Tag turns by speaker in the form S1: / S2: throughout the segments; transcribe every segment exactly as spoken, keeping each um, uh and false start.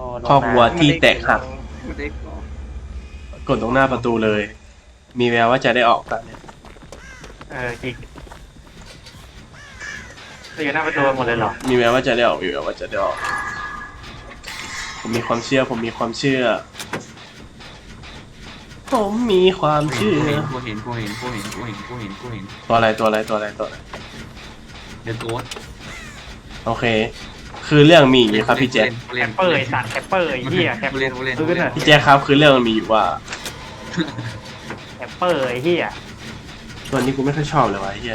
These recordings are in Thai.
S1: ครอบครัวที่แตกหัก
S2: ไม่ได้ก่อน
S1: กดตรงหน้าประตูเลย มีแววว่าจะได้ออกตอนนี้
S3: เออจริงจะอยู่หน้าประตูหมดเลยเหรอ
S1: มีแววว่าจะได้ออกมีแววว่าจะได้ออก ผมมีความเชื่อ ผมมีความเชื่อ ผมมีความเชื่อ
S2: กูเห็นกูเห็นกูเห็นกูเห็นกูเห็นกูเห็น
S1: ตัวอะไรตัวอะไรตัวอะไรตัวอะไร
S2: เดี๋ยวตัว
S1: โอเค คือเรื่องมีอย่างนี้ครับพี่แจ๊ค
S3: แคปเปอร์ไอ้สัตว์แคปเปอร์ไอ้เหี้ยแคป
S2: เล่นเล่น
S3: ซื้อน่ะ
S1: พี่แจ๊คครับคือเรื่องมันมีอยู่ว่า
S3: แคปเปอร์ไอ้เหี้ย
S1: ตัวนี้กูไม่ค่อยชอบเลยวะไอ้เฮีย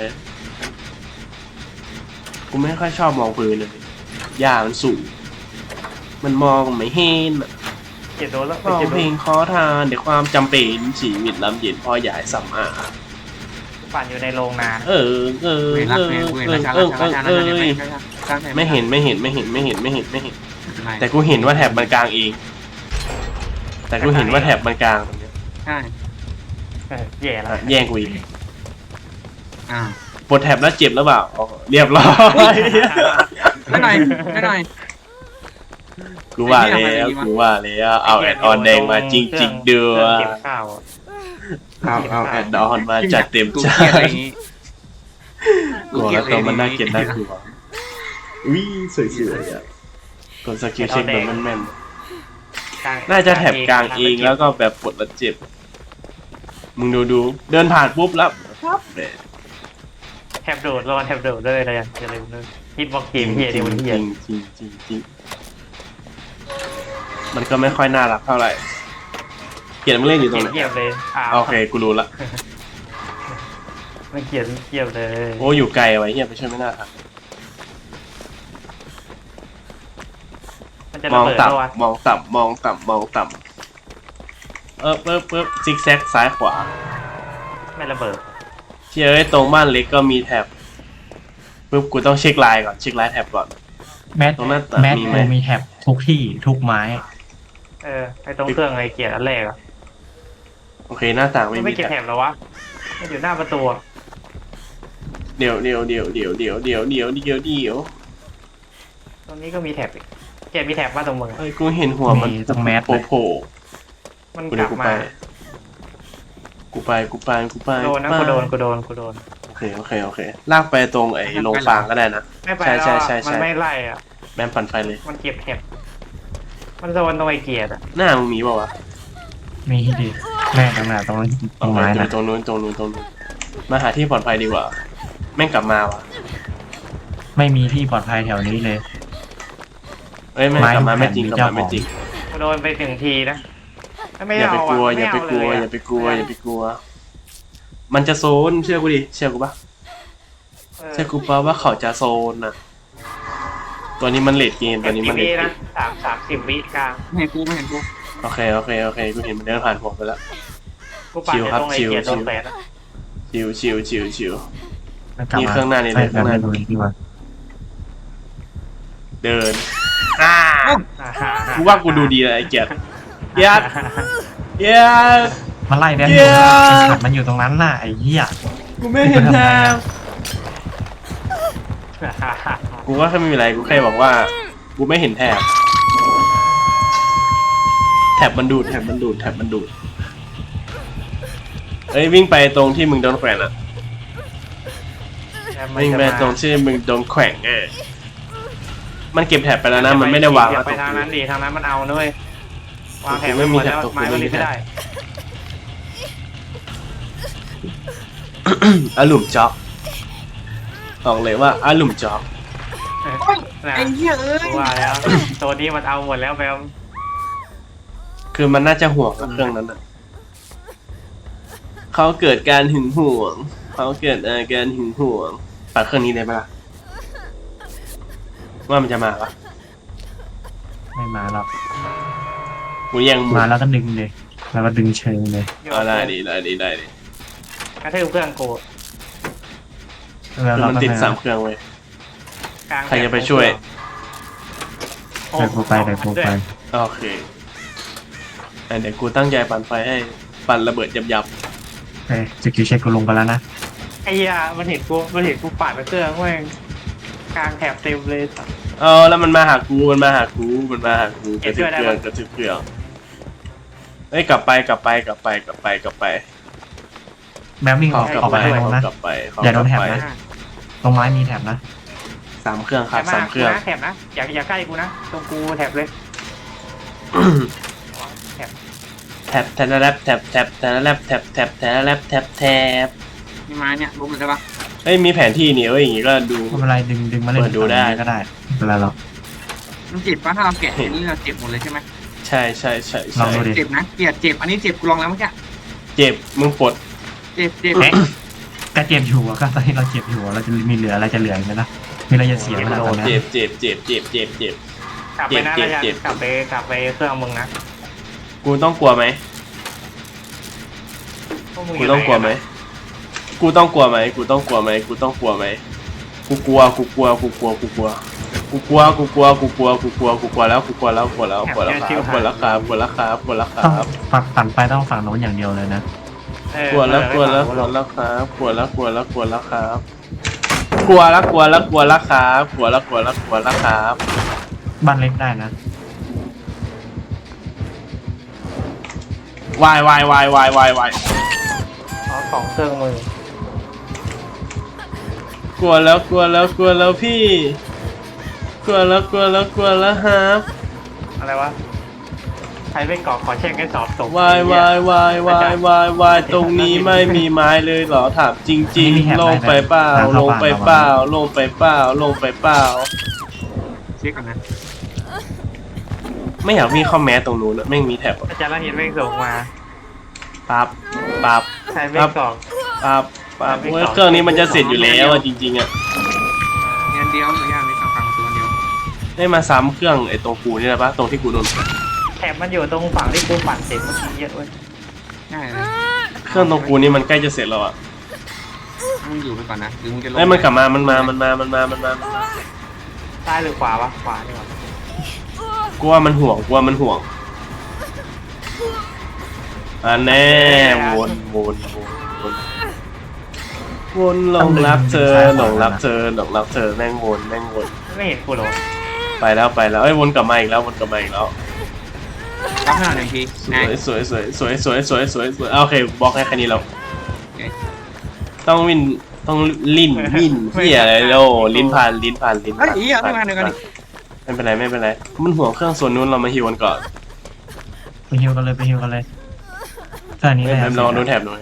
S1: กูไม่ค่อยชอบมองพื้นเลยหญ้ามันสูง มันมองไม่เห็นอะ
S3: เจ็ดโดนแล้ว
S1: ร้อง
S3: เจ็ดโด
S1: เพล
S3: น
S1: งขอทานเดี๋ยวความจำเป็นชีวิตลำเย็นพอใหญ่สัมอา
S3: ปั่นอยู่ในโรงนาน
S1: เออเออ
S2: เห็น
S1: เอ
S2: รัก
S1: อ
S2: เห็น
S1: เอ
S2: กู
S1: อ
S2: เห็น
S1: เอ
S2: รา
S1: อ
S2: ชา
S1: เอ
S2: รา
S1: อ
S2: ชาราชา
S1: เออ ไม่เห็นไม่เห็นไม่เห็นไม่เห็นไม่เห็นไม่เห็น แต่
S2: แต่
S1: กูเห็นว่าแถบมันกลางเอง แต่กูเห็นว่าแถบมันกลางตรงเนี้ย
S2: ใช่
S3: เออแย่แล้ว
S1: อ่ะแย่งกูอีก
S2: อ้าว
S1: ปวดแถบแล้วเจ็บแล้วเปล่าอ๋อเรียบร้อย
S2: ไม่หน่อยไม่หน่อย
S1: กูว่าแล้วกูว่าแล้วเอาแอดออนแดงมาจริงจริงๆเดือ
S3: เก็บข้าวอะ
S1: เอาเอาแอดออนมาจัดเต็ม
S2: กู
S1: จ้า
S2: เกลียดอะไรอย่างงี้
S1: กลัวแล้วตัวมันน่าเกลียดน่ากลัวอุ้ยสวยๆอ่ะกดสกิลเช็คแบบแม่นๆน่าจะแถบกลางเองแล้วก็แบบปวดแล้วเจ็บมึงดูดูเดินผ่านปุ๊บแล้วครับแหม
S3: แถบโดดรอแถบโดดเลยอะไรอย่างเงี้ยเลยเลยฮิตบ็อกเกมเฮีย
S1: จริ
S3: เดี๋ย
S1: ง
S3: วมัน
S1: จ
S3: เฮี
S1: ริ
S3: ย
S1: งจริงจริงจริงมันก็ไม่ค่อยน่ารักเท่าไหร่เขียนมันเล่นอยู่ตรงไหน
S3: เกียบเลยอ่า
S1: โอเคกูรู้ละ
S3: มันเกียบเกียบเลย
S1: โอ้อยู่ไกลไว้เฮียไปช่วยไม่น่าทัน
S3: มันจะ
S1: ม
S3: ระ
S1: อง
S3: เบิด
S1: ต่
S3: แล้ววะ
S1: ำมองต่ำมองต่ำมองต่ำเออปึ๊บปึ๊บซิกแซกซ้ายขวา
S3: ไม่ระเบิด
S1: เชื่อไอ้ตรงบ้านเล็กก็มีแท็บปึ๊บกูต้องเช็คลายก่อนเช็คลายแท็บก่อน
S4: แมท
S1: ตรงหน้าต่าง
S4: แมท
S1: มีไหม
S4: โมมีแท็บทุกที่ทุกไม้
S3: เออไอตรงเครื่องไอเกียร์อันแรกอะ
S1: โอเคหน้าต่างไม่
S3: มัน
S1: มี
S3: ไม่เก็บ
S1: แท็
S3: แถ
S1: บบ
S3: แล้ววะมันอยู่หน้าประตูอะ
S1: เดี๋ยวเดี๋ยวเดี๋ยวเดี๋ยวเดี๋ยวเดี๋ยวเดี๋ยวเดี๋ยวเดี๋ยว
S3: ตรงนี้ก็มีแถบอีกแกมีแถบว่าตรงมึงอะ
S1: เฮ้ยกูเห็นหัวมัน
S4: ตรงแมท
S1: โผล่โผล่
S3: มัน
S1: กู
S3: ก
S1: เดี๋
S3: ลั
S1: ยว
S3: บ
S1: กูไป
S3: มา
S1: กูไปกูไปกูไป
S3: โดนนะ
S1: ไป
S3: กูโดนกูโดนกูโดน
S1: โอเคโอเคโอเคลากไปตรงไอ้โรงฟางก็ได้นะ
S3: ไม่ไป
S1: ใช่
S3: แล้ว
S1: ใช่
S3: อะ
S1: ใช่
S3: มัน
S1: ใช่
S3: ไม่ไล่อะ
S1: แบมปั่นไฟเลย
S3: มันเก็บแถบมันโดนตรงไอเกียร์อะ
S1: หน้ามึงมีเปล่าวะ
S4: มีที่ดีแม่ตรงไหนตรงนั้นตรงไม้นะ
S1: ตรงนู้นตรงนู้นตรงนู้นมาหาที่ปลอดภัยดีกว่า แม่งกลับมาวะ
S4: ไม่มีที่ปลอดภัยแถวนี้เลย
S1: เอ้ยแม่งกลับมาไม่จริง
S4: ไม้
S1: กลับ
S4: เจ้า
S1: มาไม่จริง
S3: กูโดนไปถึงทีนะไม่
S1: อย่า
S3: เอา
S1: ไปกลัว
S3: อะ
S1: อย่าไปกลัว
S3: ม่
S1: อ
S3: เะ
S1: ย่าไปกลัวอย่าไปกลัว มันจะโซนเชื่อกูดิเชื่อกูปะ
S3: เออ
S1: เชื่อกูปะว่าเขาจะโซนน่ะ ตัวนี้มันเลดเกมตัวนี้
S3: สิ
S1: มั
S3: บ
S1: นเล
S3: วิ
S1: ดเก
S3: นะ
S1: ม
S3: สามสามสิบวิกลาง
S2: ไม่เห็นกูไม่เห็นกู
S1: โอเคโอเคโอเคกูเห็นมันเดินผ่านผมไปแล้ว
S3: กูปั่น
S1: ชิว
S3: อยู่
S1: ครับ
S3: ตรงไอ
S1: ชิว
S3: เกียร์โด
S1: ชิ
S3: น
S1: ว
S3: แฝดอะ
S1: ชิวชิวชิวชิว
S4: แล้วกลับ
S1: นี่
S4: มา
S1: เครื่องหน้านี่เลย
S4: ใช่
S1: เครื่องหน้า
S4: แบบนี้ดีกว่า
S1: เดินอ่า
S3: อ่าฮะ
S1: กูว่ากูดูดีเลยไอ้เกียรติเกียรติเกียรติ
S4: มันไล่แบน
S1: เหี้
S4: อยู่
S1: ย
S4: ไอ้สัตว์มันอยู่ตรงนั้นน่ะไอ้เหี้ย
S1: กูไม่เห็นแทงกูว่าแค่ไม่มีอะไรกูแค่บอกว่า กูไม่เห็นแถบแถบมันดูดแถบมันดูดแถบมันดูดเอ้ยวิ่งไปตรงที่มึงโดนแขวนอ่ะวิ่งไปตรงที่มึงโดนแขวนเออมันเก็บแถบไปแล้วนะมันไม่ได้วาง
S3: อย่า
S1: ต
S3: ไป
S1: รง
S3: ทาง
S1: นี้
S3: นั้นดิทางนั้นมันเอาด้วยวางแถบ
S1: ไม่
S3: ไม่
S1: มี
S3: มี
S1: แถ
S3: แถ
S1: บบ ตก
S3: ไม้ก็
S1: ไม่มี
S3: รีบไม่
S1: แถบ
S3: ได้
S1: อาหลุมจ็อกบอกเลยว่าอาหลุมจ็อก
S3: นะ
S2: ไอ้เหี้ยเอ้ย
S3: ว่าแล้วตัวนี้มันเอาหมดแล้วแบม
S1: คือมันน่าจะห่วงกับเครื่องนั้นอ่ะเขาเกิดการหึงหวงเขาเกิดอาการหึงหวงปัดเครื่องนี้ได้ปะล่ะว่ามันจะมาปะ
S4: ไม่มาหรอก
S1: กูยังหมุ
S4: มาน แล้วก็ดึงเลยแล้วก็ดึงเชิงเลย
S1: เอาได้ดีได้ดีได้ดี
S3: กระทืบเครื่องกู
S4: แล้ว
S1: คือ
S4: เรา
S1: มัน
S4: ก็
S1: ติด
S4: มา
S1: สามเครื่องเว้ย
S3: กลาง
S1: ใครจะไปช่วย
S3: โอ้
S4: เดี๋ยวกูไปเดี๋ยวกูไป
S1: โอเคอ่ะเดี๋ยวกูตั้งใจปั่นไฟให้ปั่นระเบิดยับยับ
S4: เอ้ยสกิลเช็คกูลงไปแล้วนะ
S3: ไอ้ยามันเห็นกูมันเห็นกูปาดไปเครื่องแม่งกลางแถบเต็มเลยสัส
S1: เอาแล้วมันมาหากูมันมาหากูมันมาหากูกระทืบเครื่องกระทืบเครื่องเอ้ยกลับไปกลับไปกลับไปกลับไปกลับไป
S4: แมววิ่งอ
S1: เขา
S4: อก
S1: กลับ
S4: ออก
S1: ไป
S4: ไปทาง
S1: เขา
S4: นู้นนะ
S1: กลับไปเขา
S4: อย่าโดนแถบ
S1: กลั
S4: นะ
S1: ไป
S4: ตรงไม้มีแถบนะ
S1: สามเครื่องครับ
S3: แถบ
S1: สาม
S3: มา
S1: เครื่อง
S3: แถบนะอย่าอย่าใกล้กูนะตรงกูแถบเลย
S1: แท็บแท็บแท็บแท็บแท็บแท็บแท็บแท็บแท็บแท็บแท็บแท็บแท็บ
S2: มีไม้เนี่ยล้มเลยได้ปะ
S1: เฮ้ยมีแผนที่นี่เอ้ยอย่างงี้ก็ดู
S4: ไม่เป็นไรดึงดึงมาเล่น
S1: เปิดดูได้
S4: ก็ได้ไม่เป็นไรหรอก
S2: มันเจ็บปะถ้าเราแกะนี่เราเจ็บหมดเลยใช่ไหม
S1: ใช่ใช่ใช่
S4: ลอ
S1: ใช่
S4: งดูดิ
S2: เจ็บนะเกลียดเจ็บอันนี้เจ็บกูลองแล้วเมื่อกี้
S1: เจ็บมึงปลด
S2: เจ็บเจ็บ
S4: เอ๊ะก็เจ็บอยู่อะก็ตอนที่เราเจ็บอยู่อะเราจะมีเหลืออะไรจะเหลืออีกไหมนะมีอะไรจะเสียไหมล่ะตอนนี้
S1: เจ็บเจ็บเจ็บเจ็บเจ็บเจ็บ
S3: กลับไปนะ
S1: เจ็บ
S3: ระยะ
S1: เจ็บ
S3: กลับไปกลับไปเครื่องมึงนะ
S1: กูต้องกลัวไหม
S3: พวมึ
S1: กูต้องกลัวไหมกูต้องกลัวไหมกูต้องกลัวไหมกูต้องกลัวไหมกูกลัวกูกลัวกูกลัวกูกลัวกูกลัวกูกลัวกูกลัวกูกลัวกูกลัวแล้วกูกลัวแล้วกลัวแล้วกลัวแล้วครับกลัวแล้วครับกลัวแล้วครับกลัวแล้วค
S4: ต้อง
S1: รับ
S4: ฝั่งฝั่งไปต้องฝั่งโน้นอย่างเดียวเลยนะ
S3: เออก
S1: ลัวแล้วกลัวแล้วกลัวแล้วครับกลัวแล้วกลัวแล้วกลัวแล้วครับกลัวแล้วกลัวแล้วกลัวแล้วครับกลัวแล้วกลัวแล้วกลัวแล้วครับ
S4: บ้านเล็กได้นะ
S1: วายวายวายวายวายวาย
S3: เอาสองเครื่องมือก
S1: ลัวแล้วกลัวแล้วกลัวแล้วพี่กลัวแล้วกลัวแล้วกลัวแล้วครับ
S3: อะไรวะใครไม่กรอกขอเช็คให้สอบตก
S1: วายวายวายวายวายวายตรงนี้ไม่มีไม้เลยเหรอถามจริงๆลงไปเปล่าลงไปเปล่าลงไปเปล่าลงไปเปล่า
S2: เช็คก่อนนะ
S1: ไม่อยากวิ่งเข้าแมสตรงนู้นอะแม่งมีแท็บอะ
S3: อาจารย์ละเห็นเม่งส่งมา
S1: ปั๊บปั๊บ
S3: ใครไม่กรอก
S1: ปั๊บปั๊บเว้ยเครื่องนี้มันจะเสร็จอยู่แล้วอะจริงๆอะ
S2: งานเดียวหรือย่างในกลางกลางตัวเดียว
S1: ได้มาซ้ำเครื่องไอ้ตรงกูนี่แหละปะตรงที่กูโดน
S3: แถบมันอยู่ตรงฝั่งที่กูปั่นเสร็จเมื่อกี้เยอะเว้ย
S2: ง่ายเลย
S1: เครื่องตรงกูนี่มันใกล้จะเสร็จแล้วอะ
S2: มึงอยู่ไปก่อนนะหรือมึงจะลง
S1: ไอ้ยมันกลับมามันมามันมามันมามันมามันมา
S3: ซ้ายหรือขวาวะขวานี่หว่า
S1: กูว่ามันห่วงกูว่ามันห่วงอันแน่วนวนวนวนวนหลงรักเธอหลงรักเธอหลงรักเธอแม่งวนแม่งวน
S3: ไม่เห็นกูหรอ
S1: ไปแล้วไปแล้วเอ้ยวนกลับมาอีกแล้ววนกลับมาอีกแล้ว
S2: รับหน้าหนึ่งที
S1: ส
S2: นา
S1: วย ยสวยสวยสวยสวยสวยสวยสวยโอเคบล็อกให้แค่นี้แล้ว
S2: โอเค
S1: ต้องวินต้องลิ้นวินเฮียอะไรโลลิ้นผ่านลิ้นผ่านลิ้น
S2: เฮ้ย
S1: ผ่าน
S2: อีอ่ะไม่มาเดียวกันดิ
S1: ไม่เป็นไรไม่เป็นไรมันห่วงเครื่องส่วนนู้นเรามาฮิวกันก่อน
S4: ไปฮิวกันเลยไปฮิวกันเลยแค่นี้
S1: เฮ้
S4: เลย ย
S1: ลองดูแถบหน่อย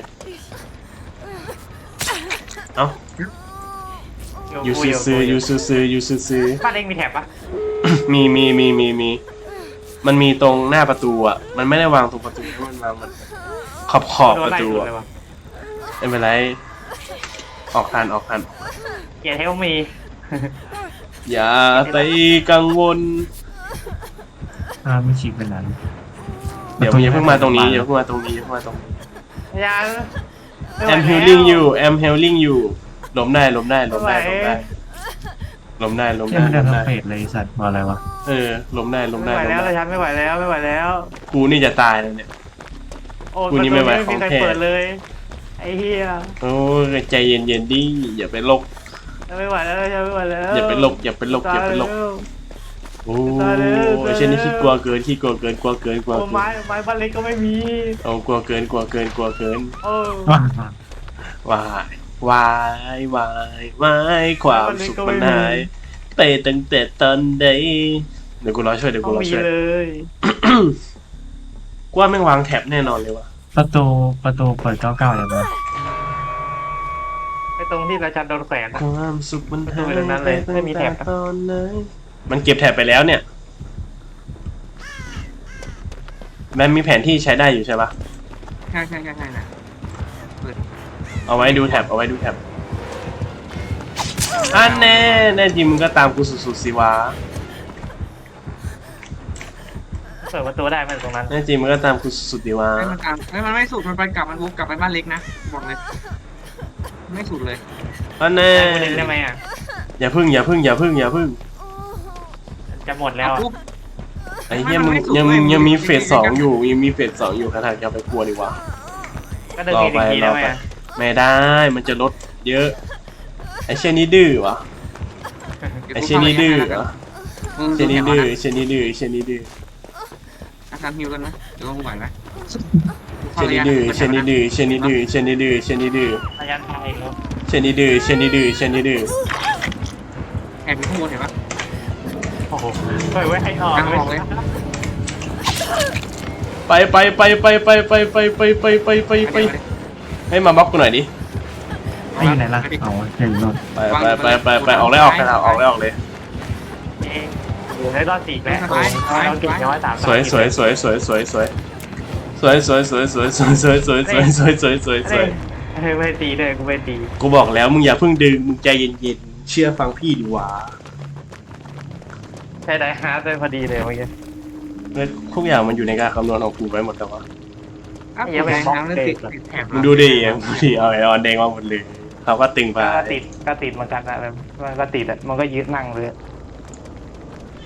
S1: เอ้ายูซื้อซื้อยูซื้อซื้อยูซื้อซื้อ
S3: บ้านเองมีแถบปะ
S1: มีมีมีมีมีมันมีตรงหน้าประตูอ่ะมันไม่ได้วางตรงประตูให้มันวางมันขอบขอบประตู
S3: โดน
S1: อะ
S3: ไล่เลยวะ
S1: ไม่เป็นไรออกทันออกทัน
S3: เกียร์เทลมี
S1: อย่าไปกังวล
S4: อ่าไม่ฉีกเป็นนั้น
S1: เดี๋ยวอย่าเพิ่งมาตรงนี้อย่าเพิ่งมาตรงนี้อย่าเพิ่งมาตรงนี้
S3: ยัง
S1: I'm healing you I'm healing you ล้มได้ล้มได้ล้มได้ล้มได้ล้มได้ล้ม
S4: ที่
S1: ได้
S4: มันเดิ
S1: ล้
S4: น
S1: ม
S4: ทั้
S1: ได้
S4: งเฟสเลยไอ้สัตว์ว่าอะไรวะ
S1: เออล้มได้ล้ม
S3: ไม่
S1: ได้
S3: ไหว
S1: ล้ม
S3: แล้ว
S1: ได้
S3: ฉันไม่ไหวแล้วไม่ไหวแล้ว
S1: กูนี่จะตายแล้วเนี่ย
S3: โอ้
S1: กูนี่ไม่ไหว
S3: ประตู
S1: ของ
S3: ใคร
S1: แท้
S3: เปิดเลยไอ้เหี้ย
S1: โอ้ยใจเย็นเย็นๆดิอย่าไปลก
S3: ฉันไม่ไหวแล้วฉันไม่ไหวแล้ว
S1: อย่าไปลกอย่าไปลกอย่าไปลกโอ้ยเช่นนี้ขี้กลัวเกินขี้กลัวเกินกลัวเกินกลัว
S3: โอ้
S1: เกิ
S3: ไม้
S1: น
S3: ไม้บ้านเล็กก็ไม่มี
S1: เอากลัวเกินกลัวเกินกลัวเกิน
S3: โอ้
S4: ว้าว
S1: วายวายวายวายความสุขมันหายไปตั้งแต่ตอนใดเดี๋ยวกูรอช่วยเดี๋ยว
S3: ต้
S1: กู
S3: อง
S1: รอ
S3: มี
S1: ช่วย
S3: เลย
S1: กูว่าแม่งวางแท็บแน่นอนเลยว่ะ
S4: ประตูประตูเปิดเก้าเก้าอย่างเงี้ย
S3: ไอ้ตรงที่ราชันโดนแขวนอะ
S1: ความสุขมันหาย
S3: ประตูไปตรงนั้นเลยไม่มีแท็บ
S1: ตอนไหนมันเก็บแท็บไปแล้วเนี่ยแมนมีแผนที่ใช้ได้อยู่ใช่ปะ
S2: ใช่ใช่ใช่ใช่นะเปิด
S1: เอาไว้ดูแท็บเอาไว้ดูแท็บอันแน่แน่จริงมึงก็ตามกูสุดๆสิวะ
S3: เปิดประตูได้ไหมตรงนั้น
S1: แน่จริงมึงก็ตามกูสุดๆดิวะ
S2: ให้มันตามให้มันไม่สุดมันไปกลับมันวกกลับไปบ้านเล็กนะบอกเลยไม่สุดเลย
S1: อันแน่
S3: กูดึงได้ไหมอ่ะ
S1: อย่าพึ่งอย่าพึ่งอย่าพึ่งอย่าพึ่ง
S3: จะหมดแล้วอะ
S2: ปุ๊บ
S1: ไอ้เหี้ย
S2: ไม่
S1: มึง
S2: ไม่สุด
S1: ยัง
S2: เว้ย
S1: ยังมี
S2: มึง
S1: เฟสสองอยู่ยังมีเฟสสองอยู่ขนาดจะไปกลัวดีวะ
S3: ก็ดึง
S1: รอ
S3: อีก
S1: ไป
S3: ที
S1: ร
S3: ได้
S1: อ
S3: ไหม
S1: ไป
S3: อะ
S1: ไม่ได้มันจะลดเยอะไอ้เช่นนี้ดื้อวะไอ้เช่นนี้ดื้อวะ
S2: มึง
S1: เช
S2: ดู
S1: นี่
S2: แถว
S1: ดื้อ
S2: นะ
S1: เชนี่ดื้อเชนี่ดื้อ
S2: อาการฮิวกันไหมเดี๋ยวมึงไหวไหม
S1: เชนี่ดื้อเชนี่ดื้อเชนี่ดื้อเชนี่ดื้อเชนี่ดื้อ
S3: ระยะไทยเนาะ
S1: เชนี่ดื้อเชนี่ดื้อเชนี่ดื้อ
S2: แอบอยู่ข้างบนเห็นปะ
S3: โอ้โหเฮ้ยไว้ให้ออก
S2: กลางออกเลย
S1: ไปไปไปไปไปไปไปไปไปไปไปไปให้มาบล็อกกูหน่อยดิ
S4: ให้อยู่ไหนล่ะเอาเดี๋ยวอยู่โน่น
S1: ไปไปไปไปไปออกเลยออกเลยออกเลยออกเลย
S3: เองอยู่ในรอบสี่แล้วเราเก่งน้อยสาม
S1: สวยสวยสวยสวยสวยสวยสวยสวยสวยสวยสวยสวยสวยสวยสวยสวยสวยสวย
S3: เฮ้ยไม่ตีเลยกูไม่ตี
S1: กูบอกแล้วมึงอย่าเพิ่งดึงมึงใจเย็นๆเชื่อฟังพี่ดีกว่า
S3: ใช่ได้ฮาร์ดเลยพอดีเลยเมื่อกี้
S1: ทุกอย่างมันอยู่ในการคำนวณของกูไว้หมดแล้ววะ
S2: อ้าวแดงน้ำนั่นติดติดแถบ
S1: มึงดูดิมึงดิเอาไอออนแดงมาหมดเลยเขาก็ตึงไป
S3: ก็ติดก็ติดเหมือนกันนะมันก็ติดอ่ะมันก็ยืดนั่งเลย